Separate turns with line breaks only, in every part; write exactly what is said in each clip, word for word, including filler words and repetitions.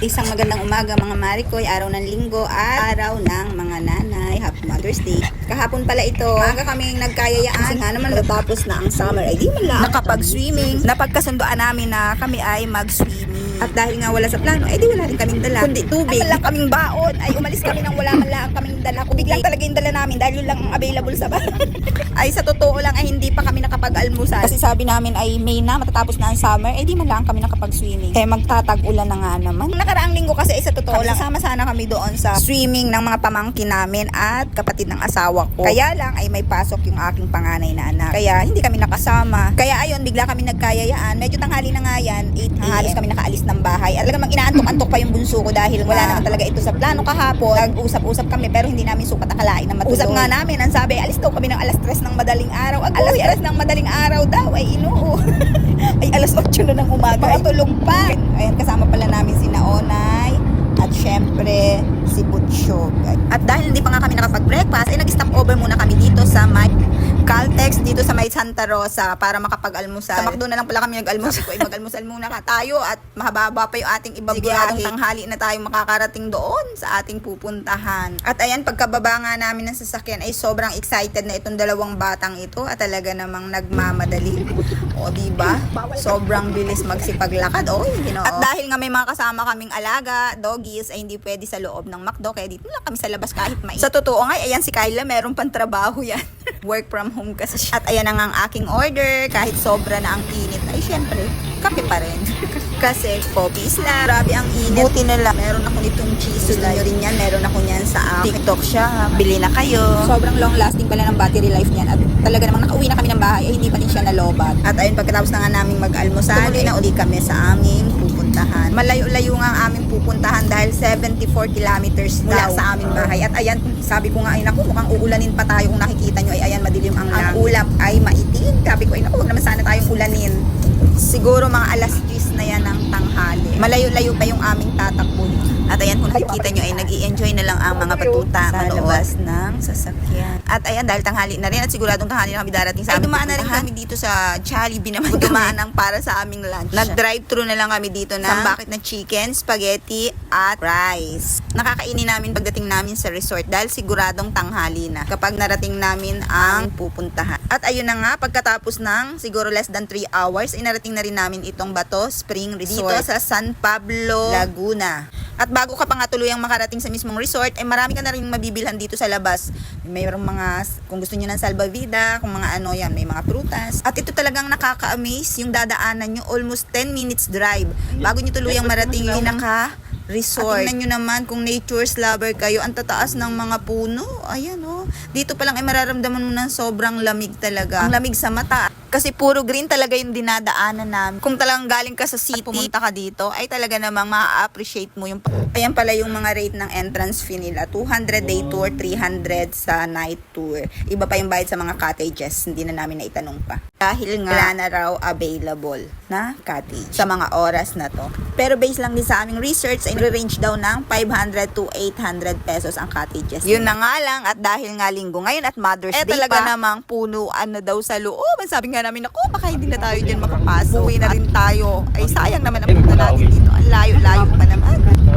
Isang magandang umaga mga Marikoy, araw ng linggo at araw ng mga nanay. Happy Mother's Day. Kahapon pala ito, maaga kaming nagkayayaan. Kasi nga naman natapos na ang summer, ay di man lang nakapag-swimming. Napagkasundoan namin na kami ay mag-swimming. At dahil nga wala sa plano, ay di wala rin kaming dala, kundi tubig. Ay wala kaming baon, ay umalis kami nang wala man lang kaming dala. Kung biglang talaga yung dala namin dahil yun lang ang available sa bahay. Ay sa totoo lang ay hindi pa kami nakapag-almusal. Kasi sabi namin ay May na, matatapos na ang summer, ay di man lang kami nakapag-swimming. Eh magtatag-ulan na nga naman. Nakaraang linggo kasi ay sa totoo lang, sama sana kami doon sa swimming ng mga pamangkin namin at kapatid ng asawa ko. Kaya lang ay may pasok yung aking panganay na anak. Kaya hindi kami nakasama. Kaya ayun, bigla kami nagkayayaan. Medyo tanghali na nga yan, eight a m. Halos kami nakaalis ng bahay. At talagang inaantok-antok pa yung bunso ko dahil wala naman talaga ito sa plano kahapon. Nag-usap-usap kami pero hindi namin sukat akalain na matulog. Usap nga namin, ang sabi, alis daw kami ng alas tres ng madaling araw. Ag alas tres ng madaling araw daw, ay inoo. Ay alas otso na ng umaga. Pakatulog pa. Ayan, kasama pala namin si Naonay. At syempre, si Butchog. At dahil hindi pa nga kami nakapag-breakfast, ay nag-stop over muna kami dito sa may Caltex, dito sa may Santa Rosa para makapag-almusal. Sa McDo na lang pala kami nag-almusal. Ay mag-almusal muna ka tayo at mahaba pa yung ating ibabiyahe. Siguradong tanghali na tayo makakarating doon sa ating pupuntahan. At ayan, pagkababa nga namin ng sasakyan ay sobrang excited na itong dalawang batang ito at talaga namang nagmamadali. O diba? Sobrang bilis magsipaglakad. O, hindi no. At dahil nga may mga kasama kaming alaga, doggies, ay hindi pwede sa loob ng McDo. Kaya dito lang kami sa labas kahit mainit. Sa totoo nga, ayan si Kyla, meron pang trabaho yan. Work from home kasi siya. At ayan na nga ang aking order. Kahit sobra na ang init, ay syempre, kape pa rin. Kasi coffees lang. Grabe ang init. Buti na lang. Meron ako nitong cheese. Gusto nyo rin yan. Meron ako niyan sa aking TikTok siya. Bili na kayo. Sobrang long lasting pala ng battery life niyan. At talaga namang nakauwi na kami ng bahay. Ay hindi pa rin siya nalobat. At ayun, pagkatapos na nga namin mag-almusal, tumuloy na uli kami sa aming pupuntahan. Malayo-layo nga ang aming pupuntahan dahil seventy-four kilometers mula sa aming bahay. At ayan, sabi ko nga ay naku, mukhang uulanin pa tayo. Kung nakikita nyo ay ayan, madilim ang langit. Ang ulap ay maitim. Sabi ko ay naku, huwag naman sana tayong ulanin. Siguro mga alas diyes na yan ng tanghali. Malayo-layo pa yung aming tatakbo. At ayan, kung nakikita nyo ay nag-i-enjoy na lang ang mga batuta sa labas ng sasakyan. At ayan, dahil tanghali na rin at siguradong tanghali na kami darating sa aming dumaan na rin kami dito sa Jollibee naman. Dumaan ang para sa aming lunch. Nag-drive-thru na lang kami dito na sambakit na chicken, spaghetti, at rice. Nakakainin namin pagdating namin sa resort dahil siguradong tanghali na kapag narating namin ang pupuntahan. At ayun na nga, pagkatapos ng siguro less than three hours, inarating na rin namin itong Bato Spring Resort dito sa San Pablo, Laguna. At bago ka pa nga tuluyang makarating sa mismong resort, ay marami ka na rin mabibilhan dito sa labas. Mayroong mga, kung gusto nyo ng salbavida, kung mga ano yan, may mga prutas. At ito talagang nakaka-amaze yung dadaanan nyo, almost ten minutes drive. Bago nyo tuluyang marating yung pinaka resort. At tingnan nyo naman kung nature's lover kayo, ang tataas ng mga puno. Ayan oh. Dito pa lang ay mararamdaman mo ng sobrang lamig talaga. Ang lamig sa mata. Kasi puro green talaga yung dinadaanan namin. Kung talagang galing ka sa city, pumunta ka dito, ay talaga namang ma-appreciate mo yung... Ayan pala yung mga rate ng entrance fee nila. two hundred day tour, three hundred sa night tour. Iba pa yung bayad sa mga cottages. Hindi na namin naitanong pa. Dahil nga wala na raw available na cottage sa mga oras na to. Pero based lang din sa aming research, ay nire-range daw ng five hundred to eight hundred pesos ang cottages. Yun na nga lang, at dahil nga linggo ngayon at Mother's eh, Day talaga pa, namang punuan na daw sa loob. Sabi nga namin, ako, baka hindi na tayo dyan makapasok. Uwi na rin tayo. Ay, sayang naman ang punta natin dito. Ang layo-layo pa naman.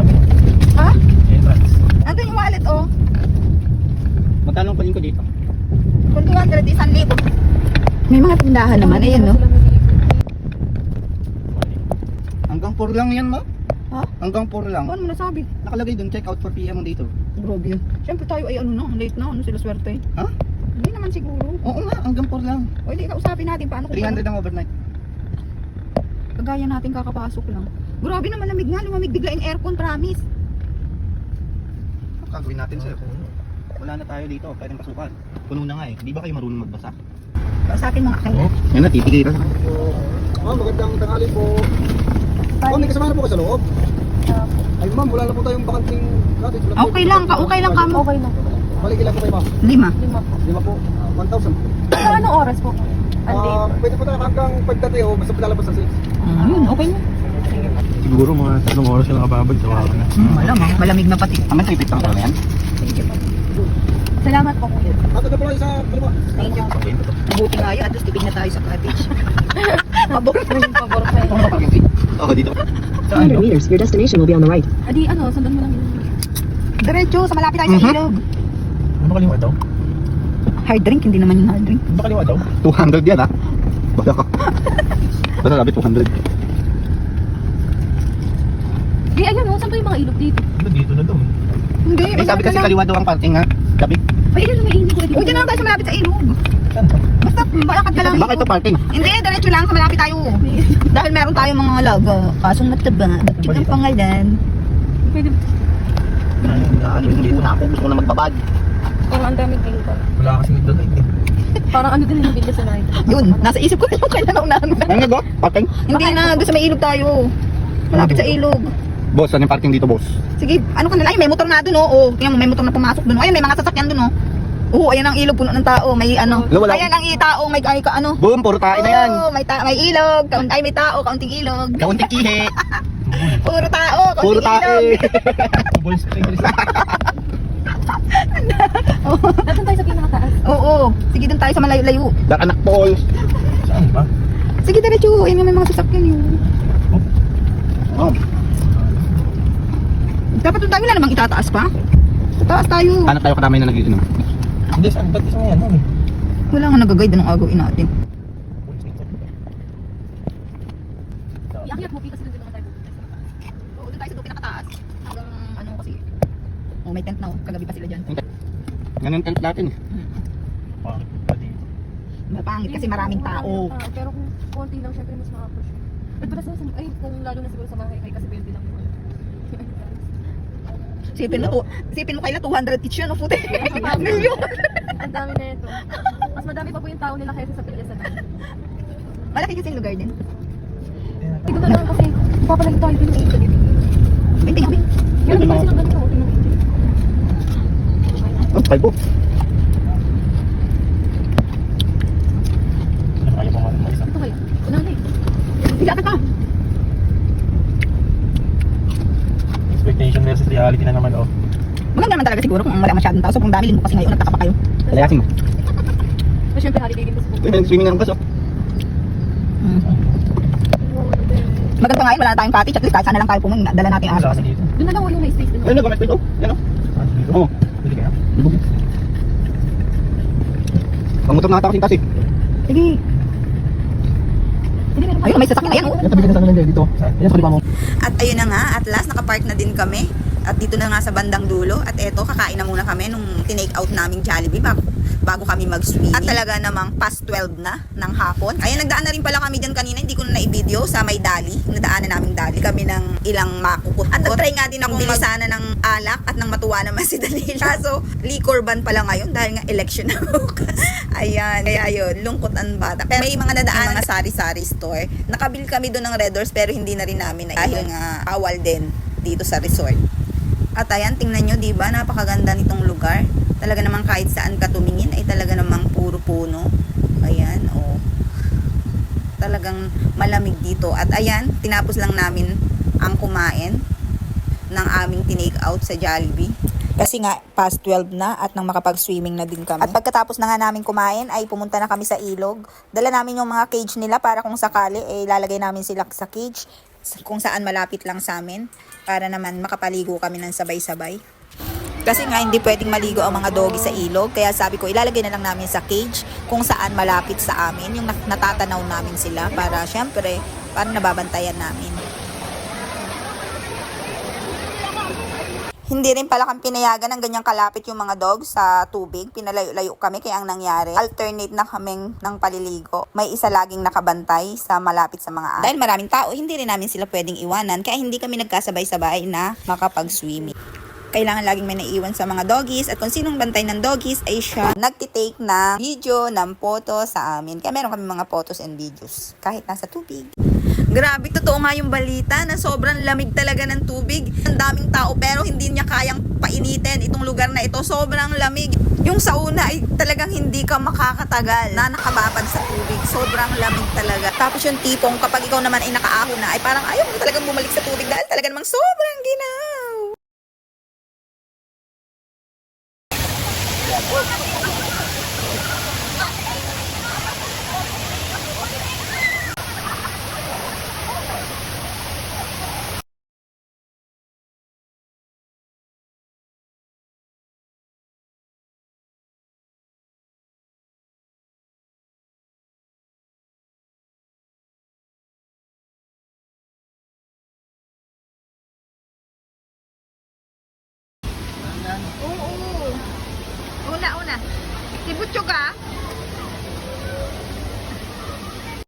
Ha? Nandun yung wallet, oh.
Magkano pa ko dito?
Kung two hundred, isang libo. May mga tindahan naman. Ayan, no?
Hanggang four lang yan, ma?
Ha?
Hanggang four lang.
Ano mo nasabi?
Nakalagay dun, check out four p m dito.
Grabe yun. Siyempre tayo ay ano na, late na. Ano sila swerte?
Ha?
Hindi naman siguro.
Oo nga, hanggang four lang.
O hindi, kausapin natin paano kung
three hundred ang overnight.
kagaya natin kakapasok lang. Grabe naman, lamig nga. Lumamig bigla yung aircon, promise.
Gagawin natin sir. Wala na tayo dito, pwedeng pasukan. Puno na nga eh. Di ba kayo marunong magbasa?
Sa akin mga kayo.
Yan na, titigil.
Ma'am, magandang tanghali po. Ma'am, may kasama na po kayo sa loob? Ay ma'am, wala na po tayong bakanting cottage.
Okay lang, ka okay lang kamo. Okay lang.
Balik ilan po kayo ma'am?
Lima.
Lima po, uh, one thousand.
Sa anong oras po?
Uh, pwede po tayo hanggang five thirty o basta lalabas sa six.
Ayun, okay na.
Siguro mga tatlong oras yung nakababag sa wala na.
Hmm, malamang, malamig na pati.
Aman, tripit lang pala yan.
Salamat po kuya.
At ito po kayo sa kaliwa.
Thank you. Mabuti nga yun, at least tipid na tayo sa cottage.
Pabor. Pabor pa yun.
Oo, dito.
Saan
two hundred meters, your destination will be on the right.
Adi, ano, sundan mo lang yun.
Diretso, sa malapit tayo sa
Mhm.
ilog.
Ano kaliwa daw?
Hard drink, hindi naman yung hard drink.
Ano kaliwa daw?
two hundred yan ha. Basta ka. Basta sabi two hundred.
Eh, ayun, oh, saan ba yung mga ilog dito?
Ano dito na daw?
Hindi,
Eh, sabi kasi kaliwa daw ang parking ha. Sabi,
Ay, ayun, may ilog ulit.
O, dyan lang tayo sa malapit sa ilog.
Saan to?
Basta, malakad ka lang.
bakit to parking?
Hindi, diretso lang sa malapit tayo. Dahil meron tayong mga logo. Kasong mataba. Bakit ang pangalan?
Pwede,
Ano, dito na ako. Gusto ko na magbabad.
parang ang daming ilog.
Wala kasing doon eh.
Parang ano din yung video sa night.
Yun, nasa isip ko yung kailan ako namin.
Ano nga go? Parking?
Hindi na, doon sa may ilog tayo. Malapit sa ilog.
Boss, ano yung parking dito, boss?
Sige, ano ka na? Ay, may motor na doon, oh. Oh, tingnan mo, may motor na pumasok doon. Ayun, may mga sasakyan doon, oh. Oo, ayan ang ilog, puno ng tao. May ano.
Wala.
Ayan ang i- tao, may ay, ka, ano.
Boom, puro tayo na yan.
Oo, may, ta- may ilog. Kaun- ay, may tao, kaunting ilog.
Kaunting kihe.
Puro tao, kaunting
Puro tayo
ilog.
eh.
Boys, English.
Dapat tayo sa pinakataas.
Oo, sige doon tayo sa malayo-layo.
Dar anak Paul.
Saan ba?
Sige, diretso. Ayan nga, may mga sasakyan yun.
Oh.
Dapat doon tayo na namang itataas pa. Sa taas tayo.
Hanap tayo kadamay na nag-iinom.
Hindi, saan? Ba't isang yan? Ano?
Wala nga nag-guide anong agawin natin.
Iakit mo, kasi doon naman tayo.
Oo, doon tayo sa doon pinakataas. Hanggang ano kasi. Oh, may tent na, oh. Kagabi pa sila dyan.
Ganun tent natin eh.
Pangit pa dito.
Mapangit kasi maraming tao.
Ah, pero kung konti lang, syempre mas makapush. At para sa, ay, kung lalo na siguro sa mga high kasi twenty lang yun.
Sipin mo, to, sipin mo kaila two hundred each yun, oh, puti. Milyon.
Ang dami na ito. Mas madami pa po yung tao nila kaysa sa Pilipinas na.
Malaki kasi yung lugar din.
Ito na lang kasi, papalagi tayo din yung ito dito.
May tingnan, may.
Yan, di ba sila ganito? Tingnan mo.
Oh, five po.
Ayaw ko nga mag-isa.
Ito kaya? Una na eh.
Sige, akat ka.
Expectation versus reality na naman oh.
Maganda naman talaga siguro kung wala masyadong tao. So kung dami linggo kasi ngayon, nagtaka pa kayo.
Kalayasin mo.
So, syempre, holiday din kasi po.
Uy, may swimming na ng bus oh.
Hmm. Maganda ngayon, wala na tayong cottage. At least kahit sana lang tayo pumunta, dala natin ang
Saan
aso.
dito?
Doon na lang, yung may space doon.
Ayun, nag-comment dito. Yan oh.
Saan dito?
Oo.
Pwede kaya?
Pangutom na ata kasing kasi.
Sige. Ayun, may sasakyan. Ayan, oh.
Yan, tabi ka na sa kanila dito. Yan, sa mo.
At ayun na nga, at last nakapark na din kami. At dito na nga sa bandang dulo. At eto, kakain na muna kami nung tinake out naming Jollibee bago, bago kami mag-swimming. At talaga namang past twelve na ng hapon. Ayan, nagdaan na rin pala kami dyan kanina. Hindi ko na na-video sa may dali. Nadaanan namin dali. Kami ng ilang makukot. At nag-try nga din akong bilisana ng alak at nang matuwa naman si Dalila. Kaso, liquor ban pala ngayon dahil nga election na bukas. Ayan, kaya yun, lungkot ang bata. Pero may mga nadaan mga sari-sari store. Nakabili kami doon ng Red Doors pero hindi na rin namin na dahil nga bawal din dito sa resort. At ayan, tingnan nyo, diba? Napakaganda nitong lugar. Talaga namang kahit saan ka tumingin ay talaga namang puro puno. Ayan, oh. Talagang malamig dito. At ayan, tinapos lang namin ang kumain ng aming tinake out sa Jollibee. Kasi nga, past twelve na at nang makapag-swimming na din kami. At pagkatapos na nga namin kumain, ay pumunta na kami sa ilog. Dala namin yung mga cage nila para kung sakali, eh, lalagay namin sila sa cage kung saan malapit lang sa amin para naman makapaligo kami ng sabay-sabay. Kasi nga hindi pwedeng maligo ang mga doggy sa ilog, kaya sabi ko ilalagay na lang namin sa cage kung saan malapit sa amin, yung natatanaw namin sila para syempre, para nababantayan namin. Hindi rin pala kami pinayagan ng ganyang kalapit yung mga dogs sa tubig. Pinalayo-layo kami kaya ang nangyari, alternate na kaming ng paliligo. May isa laging nakabantay sa malapit sa mga aso. Dahil maraming tao, hindi rin namin sila pwedeng iwanan kaya hindi kami nagkasabay-sabay na makapag-swimming. Kailangan laging may naiwan sa mga doggies at kung sinong bantay ng doggies ay siya nagtitake ng video, ng photo sa amin. Kaya meron kami mga photos and videos kahit nasa tubig. Grabe, totoo nga yung balita na sobrang lamig talaga ng tubig. Ang daming tao pero hindi niya kayang painitin itong lugar na ito. Sobrang lamig. Yung sauna ay talagang hindi ka makakatagal na nakababad sa tubig. Sobrang lamig talaga. Tapos yung tipong kapag ikaw naman ay nakaahon na ay parang ayaw mo talagang bumalik sa tubig dahil talaga namang sobrang ginaw. Oo. Una, una. Si Butchog ah.